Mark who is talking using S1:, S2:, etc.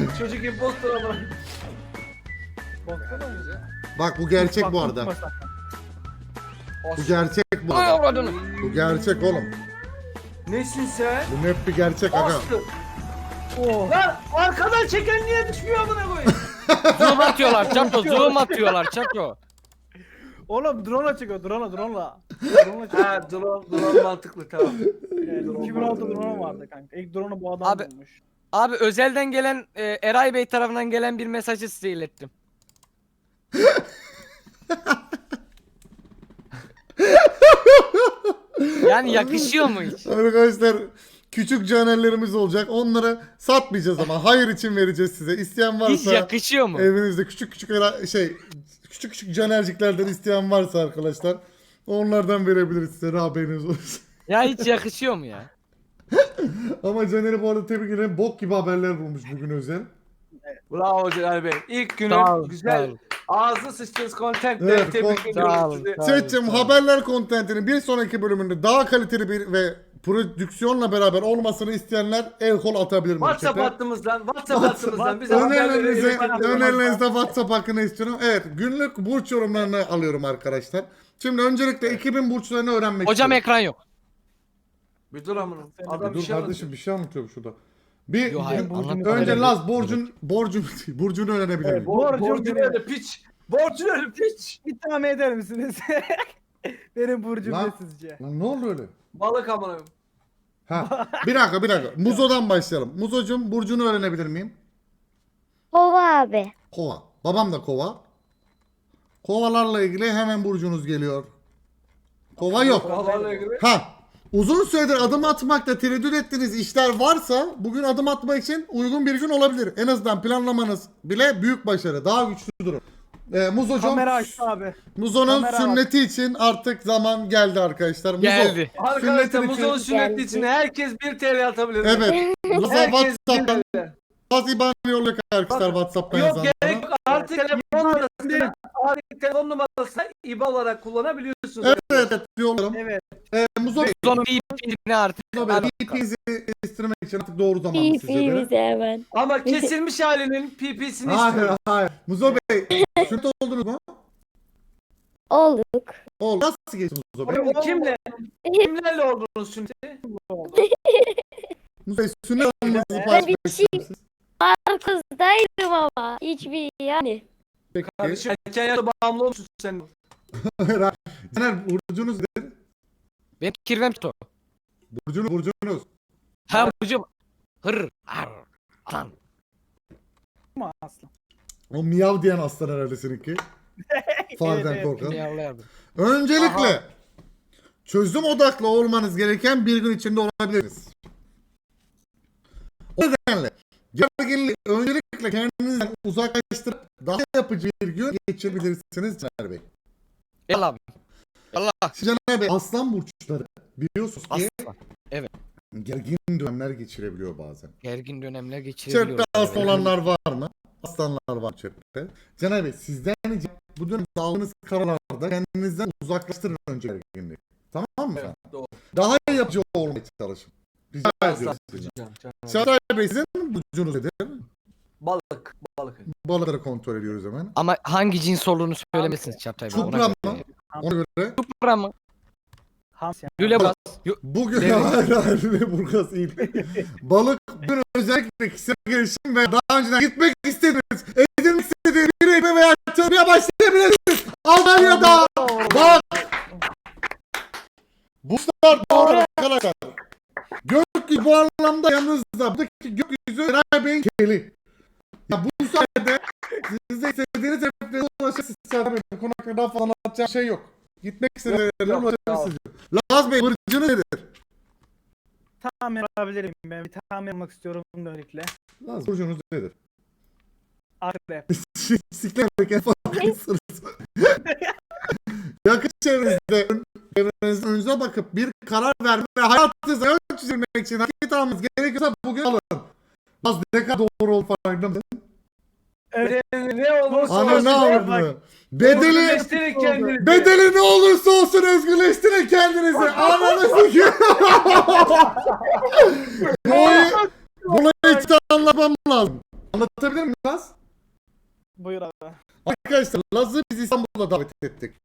S1: Çocuk impostor ama.
S2: Baksana mı?
S3: Bak bu gerçek bu arada. Bu gerçek bu
S4: Ay
S3: arada.
S4: avradını.
S3: Bu gerçek oğlum.
S1: Nesin sen?
S3: Bu hep bir gerçek aga.
S1: Bastı.
S2: Oh.
S1: Lan arkadan çeken niye düşmüyor amına koyayım?
S4: Zoom atıyorlar çato. Zoom atıyorlar çato.
S2: Oğlum drone'la çıkıyor drone'la. Drone'la çıkıyor.
S1: Ha drone mantıklı tamam.
S2: Evet, 2006 drone vardı kanka. İlk drone'u bu adam
S4: Abi-
S2: bulmuş.
S4: Abi özelden gelen Eray Bey tarafından gelen bir mesajı size ilettim. Yani yakışıyor mu hiç?
S3: Arkadaşlar küçük canerlerimiz olacak. Onları satmayacağız ama hayır için vereceğiz size. İsteyen
S4: Hiç
S3: varsa
S4: yakışıyor mu?
S3: evinizde küçük küçük küçük küçük canerciklerden isteyen varsa arkadaşlar onlardan verebiliriz size. Haberiniz olsun.
S4: Ya hiç yakışıyor mu ya?
S3: Ama Caner'i bu arada tebrik ederim. Bok gibi haberler bulmuş bugün özel.
S1: Bravo Celal Bey. İlk günün
S4: Sağ olun, sağ
S1: güzel
S4: olun.
S1: ağzı sıçtığınız contentle
S3: Evet,
S1: tebrik
S4: sağ
S1: ediyorum
S4: olun,
S1: sizi.
S4: sağ olun.
S3: Seçim haberler kontentinin bir sonraki bölümünde daha kaliteli bir ve prodüksiyonla beraber olmasını isteyenler el kol atabilir mi?
S1: WhatsApp
S3: chat'e?
S1: hattımızdan bize haberleri
S3: Önerinizde WhatsApp hakkını istiyorum. Evet, günlük burç yorumlarını alıyorum arkadaşlar. Şimdi öncelikle 2000 burçlarını öğrenmek
S4: Hocam
S3: istiyorum.
S4: ekran yok.
S1: Bir dur amına. Adam bir
S3: Dur
S1: şey
S3: kardeşim bir şey anlatıyorum şurada. Bir
S4: Yo, hayır,
S3: önce
S4: anlatma.
S3: Laz burcunu öğrenebilir miyim?
S1: Borcun öyle piç. Borcun öyle piç.
S2: Bir tahmin eder misiniz? Benim burcum
S3: Lan.
S2: ne sizce?
S3: Lan ne oldu öyle?
S1: Balık amına.
S3: Ha, bir dakika. Muzo'dan başlayalım. Muzo'cum burcunu öğrenebilir miyim?
S5: Kova abi.
S3: Kova. Babam da kova. Kovalarla ilgili hemen burcunuz geliyor. Kova yok.
S1: Kovalarla ilgili.
S3: Ha. Uzun süredir adım atmakta tereddüt ettiğiniz işler varsa bugün adım atmak için uygun bir gün olabilir. En azından planlamanız bile büyük başarı. Daha güçlü durum. Muzo'cum,
S2: Kamera açtı abi.
S3: Muzo'nun
S2: kamera
S3: sünneti için artık zaman geldi arkadaşlar. Muzo,
S4: Geldi.
S1: Arkadaşlar
S3: sünnetin
S1: Muzo'nun
S3: için-
S1: sünneti için herkes 1 TL atabilir.
S3: Evet. Muzo
S1: Herkes 1
S3: WhatsApp'tan
S1: TL.
S3: bazı IBAN yolluyor arkadaşlar WhatsApp'tan
S1: Yok
S3: yazanlara.
S1: gerek yok. Artık telefon numarasını IBAN olarak kullanabiliyorsunuz.
S3: Evet yollarım.
S2: Evet.
S3: Muzo Bey,
S4: Son bir artık.
S3: Muzo Bey, VP'nizi değiştirmek için artık doğru zaman
S5: İyi
S3: sizce göre.
S5: bize hemen.
S1: Ama kesilmiş halinin PP'sini
S3: Hayır
S1: istiyorum.
S3: hayır. Muzo Bey, sünnet oldunuz mu?
S5: Olduk.
S3: Oldu. Nasıl geçti Muzo Bey?
S1: Kimlerle oldunuz sünneti?
S3: Muzo Bey, sünnet olmanızı
S5: Ben
S3: paylaşmak
S5: bir şey-
S3: ister misiniz?
S5: Arkasındaydım ama. Hiçbir yani.
S3: Peki.
S1: Kardeşim erken yaşta bağımlı olmuşsun sen.
S3: Hayır, hayır. Caner, burcunuz nedir?
S4: Benim kirvem to.
S3: Burcunuz.
S4: Ha hocam. Hır. Ar. Lan.
S2: Ama aslan.
S3: O miyav diyen aslan herhalde seninki. Fareden
S2: Evet,
S3: korkan.
S4: Yavlayardım.
S3: Öncelikle çözüm odaklı olmanız gereken bir gün içinde olabiliriz. O nedenle gerginliği öncelikle kendinizden uzaklaştırıp daha yapıcı bir gün geçirebilirsiniz Caner Bey.
S4: Gel abi. Allah.
S3: Şimdi Caner Bey aslan burçları biliyorsunuz ki
S4: Aslan. Evet.
S3: gergin dönemler geçirebiliyor bazen.
S4: Gergin dönemler geçirebiliyoruz.
S3: Chatte aslan olanlar var mı? Aslanlar var chatte. Caner Bey sizden ricam bu dönemde aldığınız kararlarda kendinizden uzaklaştırın önce gerginliği. Tamam mı?
S1: Evet, doğru.
S3: Daha yapıcı olmaya çalışın. Rica ediyorum sizden. Çağatay Bey sizin burcunuz nedir?
S1: Balık.
S3: Balıkları kontrol ediyoruz hemen.
S4: Ama hangi cins olduğunu söylemesiniz Çağatay Bey.
S3: Çupra mı? Ona göre.
S4: Çupra mı?
S2: Hams yani.
S4: Lülebaz.
S3: Bugün
S4: Evet.
S3: hayır Lüleburgaz değil. Balık bugün özellikle kişisel gelişim ve daha önceden gitmek istediğiniz, edinmek istediğiniz bir eğitime veya çalışmaya başlayabilirsiniz. Almanya'da. Bak. Burçlar doğru arkadaşlar. Gökyüzü bu anlamda yanınızda. Buradaki gökyüzü Eray Bey'in keli. Ya bu sayede siz de istediğiniz hedeflere ulaşırsınız. Bu konu hakkında daha fazla anlatacağım şey yok. Gitmek istediğiniz yerlere ulaşabilirsiniz. Laz Bey burcunuz nedir?
S2: Tahmin alabilirim ben. Bir tahmin almak istiyorum öncelikle.
S3: Laz burcunuz nedir?
S2: Akrep.
S3: Siklerken farkındasınız. Yakın çevrenizde önünüze bakıp bir karar verme ve hayatınızı ön çizilmek için hareket almanız gerekiyorsa bugün alın. Laz ne kadar doğru ol farkında mısın?
S1: Ne olursa
S3: Ana
S1: olsun.
S3: ne yaptı?
S1: Özgürleştirin kendinizi.
S3: Bedeli ne olursa olsun özgürleştirin kendinizi. Ananı sikeyim. Bunu hiç anlatmam lazım. Anlatabilir miyim Laz?
S2: Buyur abi.
S3: Arkadaşlar Laz'ı biz İstanbul'a davet ettik.